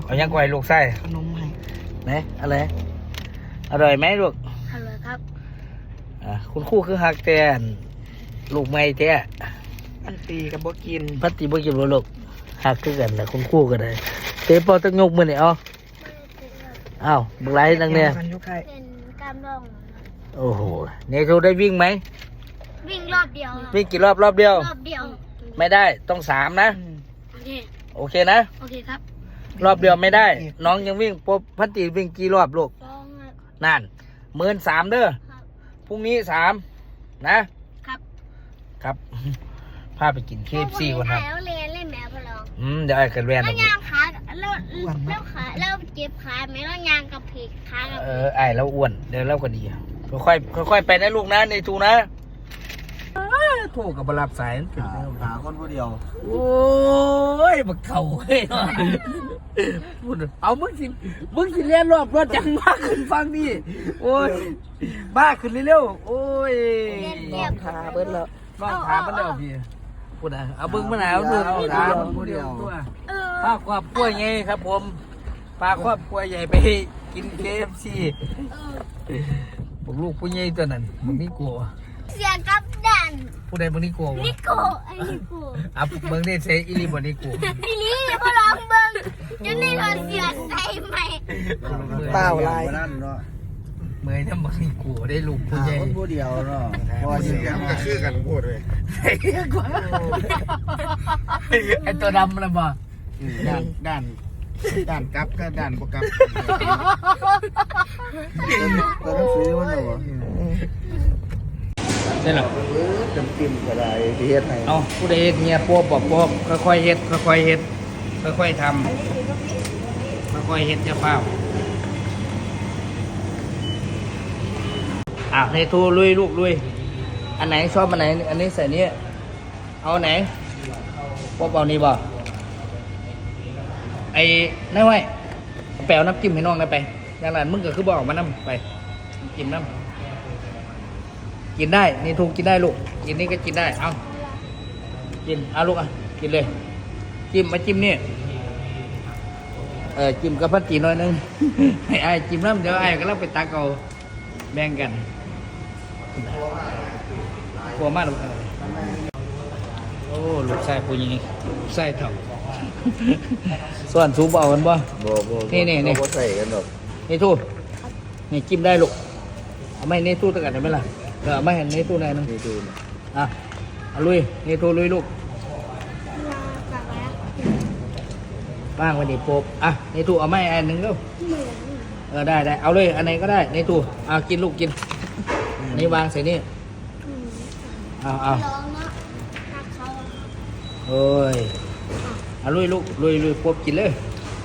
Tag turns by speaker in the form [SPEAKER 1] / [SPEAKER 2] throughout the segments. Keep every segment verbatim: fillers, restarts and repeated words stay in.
[SPEAKER 1] เอายังไงลูกไส้
[SPEAKER 2] ขนมให้
[SPEAKER 1] ไหนอะไรอร่อยไหมลูก
[SPEAKER 3] อร่อยครับ
[SPEAKER 1] อ่าคุณครูคือฮักแต่ลูกไม่แท้
[SPEAKER 2] พันตีกับบ่กิน
[SPEAKER 1] พันตีบ่กินบ่ลูกฮักคือกันแหละคุณครูก็ได้เตะปอตั้งยกมือนี่เอาอ้าวบักไรนั่งเนี่ย
[SPEAKER 3] เป็นกล้ามล่อง
[SPEAKER 1] โอ้โหเนโทได้วิ่งไหม
[SPEAKER 3] วิ่งรอบเดียว
[SPEAKER 1] วิ่งกี่รอบรอบเดียว
[SPEAKER 3] รอบเดียว
[SPEAKER 1] ไม่ได้ต้องสามนะ
[SPEAKER 3] โอเค
[SPEAKER 1] โอเคนะ
[SPEAKER 3] โอเคครับ
[SPEAKER 1] รอบเดียวไม่ได้น้องยังวิ่งปุ๊บพันตีวิ่งกี่รอบลูกนั่นหมื่นสามเด้อพรุ่งนี้สามนะครับครับพาไปกินเคฟซีก่อนครับ
[SPEAKER 3] แล้วเรียนเล่นแมวพลอง
[SPEAKER 1] อืมเดี๋ยวไอ้กันแวน
[SPEAKER 3] แล้วยางขาแล้วแล้วขาแล้วเจ็บขาไหมแล้วยางกับเพกขา
[SPEAKER 1] เออไอ้แล้วอ้วนเดี๋ยวแล้วก็ดีค่อยค่อยไปนะลูกนะในทูนะโทรกับบรับสาย
[SPEAKER 2] หาคนผู้เดียว
[SPEAKER 1] โอ้ยบักเข่าเฮ้ยเอามึงสิมึงสิเลี้ยนรอบรถจังมากขึ้นฟังดิโอ้ยบ้าขึ้นเร็วๆโอ้ย
[SPEAKER 2] นอนขาเบิ้ลแล้ว
[SPEAKER 1] นอนขามันเดียวพี่พูดนะเอาบึ้งมะนาวดูเอาขาผู้เดียวตัวปลาครอบครัวไงครับผมปลาครอบครัวใหญ่ไปกินเคฟซีพวกลูกผู้ใหญ่ตัวนั้นมึงนี่กลัว
[SPEAKER 3] เสียกับดัน
[SPEAKER 1] ผู้ใดมึงนี่กลัว
[SPEAKER 3] นิโกไอ้นิโก
[SPEAKER 1] อ่ะมึงนี่ใช้อีลีบนี่กลัว
[SPEAKER 3] อีลีพอลองเบิ้งจะนี่เราเสียใส่ไหม
[SPEAKER 2] เปล่าลาย
[SPEAKER 1] เมื่อยถ้ามึงนี่กลัวได้ลูกผู้ใหญ่
[SPEAKER 2] คนผู้เดียวเนาะพอสิ
[SPEAKER 4] มันจะชื่อกันพูดเลย
[SPEAKER 1] ไอตัวดำนะบ่
[SPEAKER 4] ด้านด้านด้านกับก็ด้านบวกกับ
[SPEAKER 2] ตัวหนังสือมันเหรอ
[SPEAKER 1] ได้หรอ
[SPEAKER 2] จำกิมก็ได้ที่เฮ็ดให้
[SPEAKER 1] เอาผู้ใดเฮ็ดเงียปวบปวบค่อยๆเฮ็ดค่อยๆเฮ็ดค่อยๆทำค่อยๆเฮ็ดจะเฝ้าอ่ะให้ทูลุยลูกลุยอันไหนชอบอันไหนอันนี้ใส่นี้เอาไหนปวบเอานี่บ่ไอ้นั่นไว้แปลวน้ำจิ้มให้น้องได้ไปอย่างนั้นมึงก็คือบอกมาน้ำไปกินน้ำกินได้นี่ถูกกินได้ลูกกินนี่ก็กินได้เอากินเอาลูกอ่ะกินเลยจิ้มมาจิ้มนี่เออจิ้มกับพัดจีหน่อยนึงให้ไอ้จิ้มน้ำเดี๋ยวไอ้ก็เล่าไปตักเอาแบ่งกันกลัวมากลูกโอ้ลูกชายผู้หญิงลูกชายเถ่าส่วนซูบเอากันบ่นี่นี่นี่
[SPEAKER 2] ใส่กันหรอก
[SPEAKER 1] นี่ทูนี่จิ้มได้ลูกเอาไม่นี่ทูตะกันได้ไหมล่ะเออไม่เห็นนี่ทูไหนนึง
[SPEAKER 2] นี่ทู
[SPEAKER 1] อ่ะเอาลุยนี่ทูลุยลูกบ้างวันนี้โป๊บอ่ะนี่ทูเอาไม่อันหนึ่งแล้วเออได้ได้เอาเลยอันไหนก็ได้นี่ทูเอากินลูกกินนี่วางใส่นี่เอาเอาโอ้ยเอาลุยลูกลุยลุยโป๊บกินเลย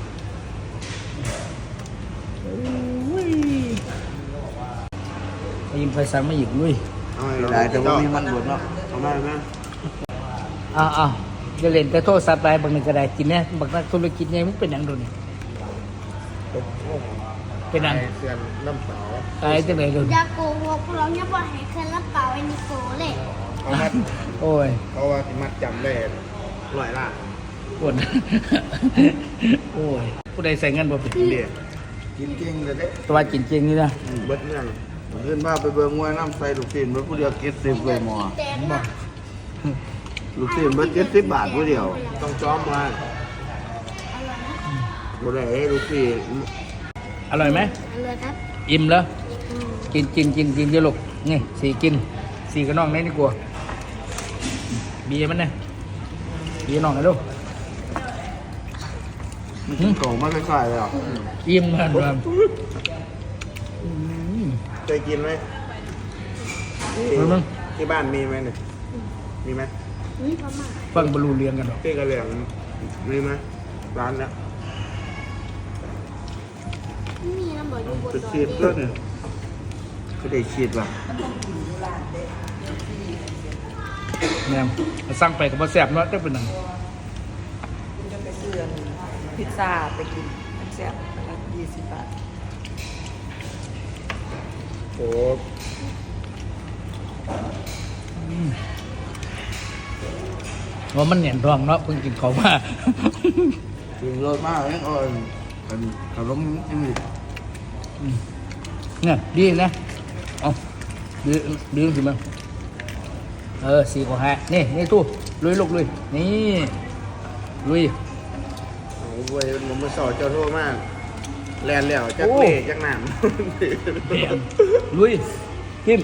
[SPEAKER 1] ยิ้มไฟสังมาหยิบลุย
[SPEAKER 2] ได้แต่ว่ามีมันบดเนาะเอามาไหม
[SPEAKER 1] อ้าวอ้าวจะเล่นแต่โทรศัพท์ไปบางหนึ่งก็ได้กินเนี่ยบางนักธุรกิจเนี่ยมันเป็นอย่างโดนนี่เป็นอย่าง
[SPEAKER 4] เสียนน้ำเปล่า
[SPEAKER 1] ตายจังเลยโดน
[SPEAKER 3] ยาโกหกเราเนี่ยบอกให้เคลื่อนรับเปล่าไอ้นิโกเลย
[SPEAKER 4] เอามัด
[SPEAKER 1] โอ้ย
[SPEAKER 4] เพราะว่ามัดจำได้ลอยล่ะ
[SPEAKER 1] ปวดโอ้ยผู้ใดใส่เงินบ่ผิด
[SPEAKER 4] เดียกินจริงเลยเด้
[SPEAKER 1] ตัวกินจริงนี่นะ
[SPEAKER 4] เบิดเงินเงินบ้าไปเบิ่งมวยน้ำใส่ลูกศิษย์เบิดผู้เดียวเก็บสิบเลยหมอลูกศิษย์เบิดเก็บสิบบาทผู้เดียวต้องจ้อมมาผู้ใดลูกศิษย์
[SPEAKER 1] อร่อยไหม
[SPEAKER 3] อร่อยครับ
[SPEAKER 1] อิ่มแล้วกินกินกินกินเยอะลูกนี่สี่กินสี่กระน้องนี่นี่กลัวเบียร์มันเนี่ยเบียร์น้องนะลูก
[SPEAKER 4] มันโตมาใส่เลยอ่ะ
[SPEAKER 1] อิ่มมันแบบ
[SPEAKER 4] เคยกินไหมที่บ้านมีไหมเนี่ยมีไหม
[SPEAKER 1] ฟังบรรลุเรียนกันหรอ
[SPEAKER 4] ที่กระเหลี่ยงมีไหมร้านเนี้ย
[SPEAKER 3] มีน้ำบ่อยอยู่บนดอย
[SPEAKER 4] ฉีดก็เนี่ยก็ได้ฉีดว่ะ
[SPEAKER 1] เนี่ยสั่งไปกับมาแซ่บเนาะจะเป็นหนัง
[SPEAKER 2] จะไปซื้อพิซซ่าไปกินแซ่บละยี่สิบบาท
[SPEAKER 4] โอ้
[SPEAKER 1] ว่ามันเหนียนทองเนาะเพิ่งกินเขามา
[SPEAKER 4] กินรสมากเลยอ่อนกันขนมจืด
[SPEAKER 1] เนี่ยดีนะเอาดีดีสิมึงเออสี่กว่าห้านี่นี่ตู้ลุยลูกลุยนี่ลุย
[SPEAKER 4] โอ้โหผมมาสอนเจ้าโทษมากแลนแล้วจักเล่จักหนาม
[SPEAKER 1] เปลี่ยนลุยพิม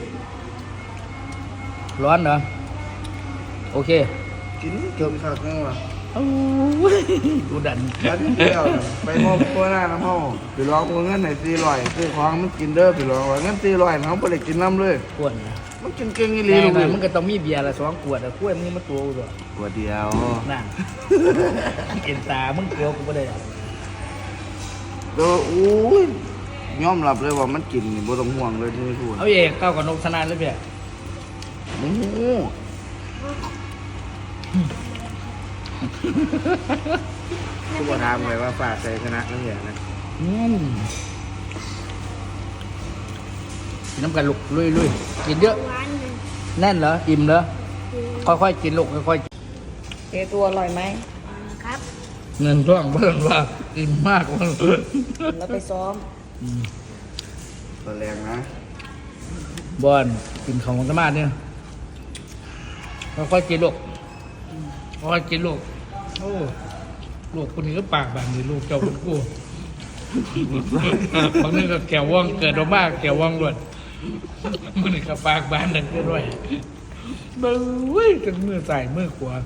[SPEAKER 1] ร้อนเหรอโอเค
[SPEAKER 4] กินเกือบขาดนั่งว่ะ
[SPEAKER 1] โอ้ยดูดัน
[SPEAKER 4] แล้วที่เดียวน่ะไปมอบตัวหน้าน้ำห้องไปลองเงินไหนสี่ร้อยซื้อของมันกินเด้อไปลองว่าเงินสี่ร้อยเขาไม่ได้กินน้ำเลย
[SPEAKER 1] ขวดนะ
[SPEAKER 4] มันกินเก่งอีห
[SPEAKER 1] แร
[SPEAKER 4] ลี
[SPEAKER 1] ง
[SPEAKER 4] ลูก
[SPEAKER 1] หน่อย
[SPEAKER 4] นี่
[SPEAKER 1] มันก็ต้องมีเบียร์ละสองขวดอะขวดนี้มาตัวกูด้วย
[SPEAKER 4] ตัวเดียว
[SPEAKER 1] นั่นเอ็นตามึงเกลียวกูไม่ได้หรอก
[SPEAKER 4] ตัวอู้ยยอมรับเลยว่ามันกินนี่บ่ต้องห่วงเลยที่ไม่พูด
[SPEAKER 1] เอาเอกก้าวกับนกสนานเลยเพี่ย
[SPEAKER 4] โอ้โหทุกคนถามเลยว่าฝากใส่ชนะนั่นอย่างนะ
[SPEAKER 1] อืมกินน้ำกันลูกลุยลุยกินเยอะ
[SPEAKER 3] หวานหนึ่ง
[SPEAKER 1] แน่นเหรออิ่มเหรอค่อยๆกินลูกค่อยๆกิน
[SPEAKER 2] เอตัวอร่อยไหม
[SPEAKER 3] ครับ
[SPEAKER 1] เงินร่องเบิ่งว่าอิ่มมากว่า
[SPEAKER 2] แล้วไปซ้อม
[SPEAKER 4] ตัวแรงนะ
[SPEAKER 1] บอลกินของสมาธิเนี่ยค่อยๆกินลูกค่อยๆกินลูกโอ้ลูกคนนี้ก็ปากแบบนี้ลูกเจ้าคนกูบางนึงก็แก้วว่องเกิดออกมาแก้วว่องล้วนมันนี่ก็ปากบานดังเกินด้วยเบ้ยจนมือใส่มือขวา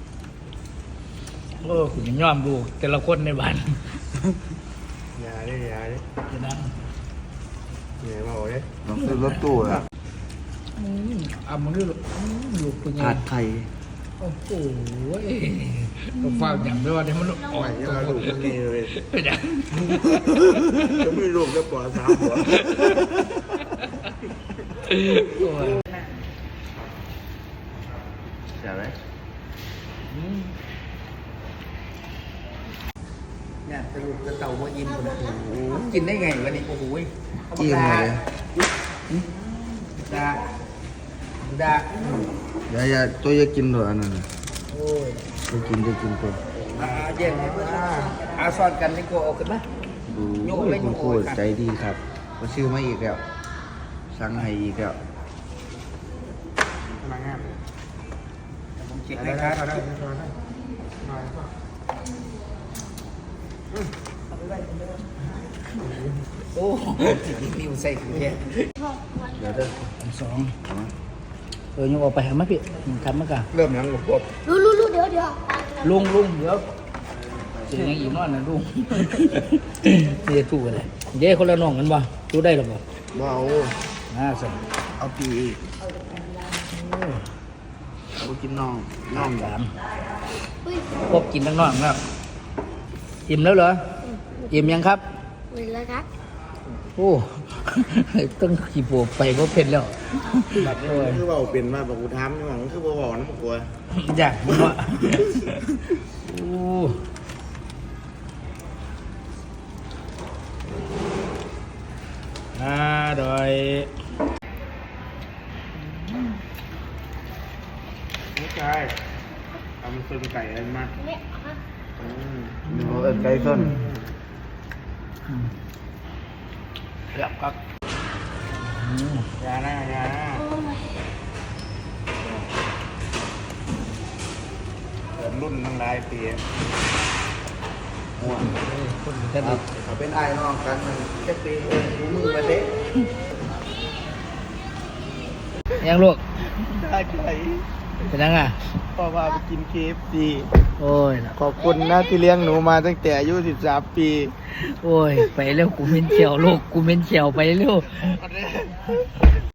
[SPEAKER 1] โอ้คุณยังย่อมดูแต่ละคนในบ้าน
[SPEAKER 4] อย่าดิอย่าดิ
[SPEAKER 1] จะนั่ง
[SPEAKER 4] เหนื่อยมาโอ้ยต้องซื้อรถตู้อะ
[SPEAKER 1] อืมอ่ะมันนี่ลูกอืมลูกเป็นไง
[SPEAKER 4] ขาดไข่
[SPEAKER 1] โอ้โหต้องฟังอย่างด้วยว่าเดี๋ยวมันอ่อ
[SPEAKER 4] ไม่
[SPEAKER 1] น
[SPEAKER 4] ยังลูกมันมีเลย
[SPEAKER 1] เป็นอย่าง
[SPEAKER 4] จะไม่ลูกจะปล่อยสามหัว
[SPEAKER 1] โอ้ย
[SPEAKER 4] ใช่ไหม
[SPEAKER 1] อืมเนี่ยสรุปกระเต่าว่าอิ่มคนละโอ้โหกินได้ไงวะนี่โอ้โห
[SPEAKER 4] อิ่มเลย
[SPEAKER 1] ดาดา
[SPEAKER 4] อย่าอย่าตัวอย่ากินด้วยอันนั้นน่ะ
[SPEAKER 1] โอ้ย
[SPEAKER 4] จะกินจะกินตัว
[SPEAKER 1] อาเย็นอ่าอาซอนกันนี่ก็เอาขึ้นนะ
[SPEAKER 4] ดู
[SPEAKER 1] โยกเลย
[SPEAKER 4] คุณครู
[SPEAKER 1] โยกเลย
[SPEAKER 4] ใจดีครับก็ชื่อมาอีกแล้วสั่งให้อีกแล้ว
[SPEAKER 1] ผมเช็คให้ครับโอ้นิ้วใส่ถุงแค่
[SPEAKER 4] เดี๋ยวเด้อ
[SPEAKER 1] สองเออยังออกไปหามาพี่ทำมากะ
[SPEAKER 4] เริ่มยังกับพวก
[SPEAKER 3] รู้รู้รู้เดี๋ยวเดี๋ยว
[SPEAKER 1] ลุงลุงเดี๋ยวเสียงยังอีกนอนนะลุงเดี๋ยวถูกเลยเดี๋ยวคนละน้องกันบ่รู้ได้หรอบ่
[SPEAKER 4] เบา
[SPEAKER 1] น่าสน
[SPEAKER 4] เอาปีอีกเอากินน้องน้
[SPEAKER 1] น้
[SPEAKER 4] อ
[SPEAKER 1] อง ง
[SPEAKER 4] แบ
[SPEAKER 1] สา
[SPEAKER 4] บ
[SPEAKER 1] มพบกินทั้งน้องครับอิ่มแล้วเหรออิ่มยังครับ
[SPEAKER 3] หนึ่งแล้วครับ
[SPEAKER 1] โอ้ ต้องขี่โบไปเพราะเผ็ดแล้ว
[SPEAKER 4] แบบนี้คือเบาเป็นมาบอกกูทำนี่หวังคือเบาบอกน้ำกลัว
[SPEAKER 1] อยากมึงวะโอ้น่าดอย
[SPEAKER 4] ไม่ใช่ทำเป็นไก่อะไรมา
[SPEAKER 3] เนี่ยครับ
[SPEAKER 4] อืมเออไก่ส้น
[SPEAKER 1] เรียบครับอืม
[SPEAKER 4] ยาหน้ายาหน้า
[SPEAKER 3] โอ้ย
[SPEAKER 4] เปิดรุ่นตั้งหลายปีห่วง
[SPEAKER 1] คนจะ
[SPEAKER 4] ค
[SPEAKER 1] ดี
[SPEAKER 4] รับเขาเป็นไอ้น้องกันมันแค่ปีเองกูมือมาเด็ก
[SPEAKER 1] ยังลูก
[SPEAKER 4] ได้ใจ
[SPEAKER 1] เป็นยังไง
[SPEAKER 4] พ่อว่าไปกินเคฟซี
[SPEAKER 1] โอ้ย
[SPEAKER 4] ขอบคุณนะที่เลี้ยงหนูมาตั้งแต่อายุสิบสามปี
[SPEAKER 1] โอ้ย ไปเร็วกูเม้นเขียวลูกกูเม้นเขียวไปเร็ว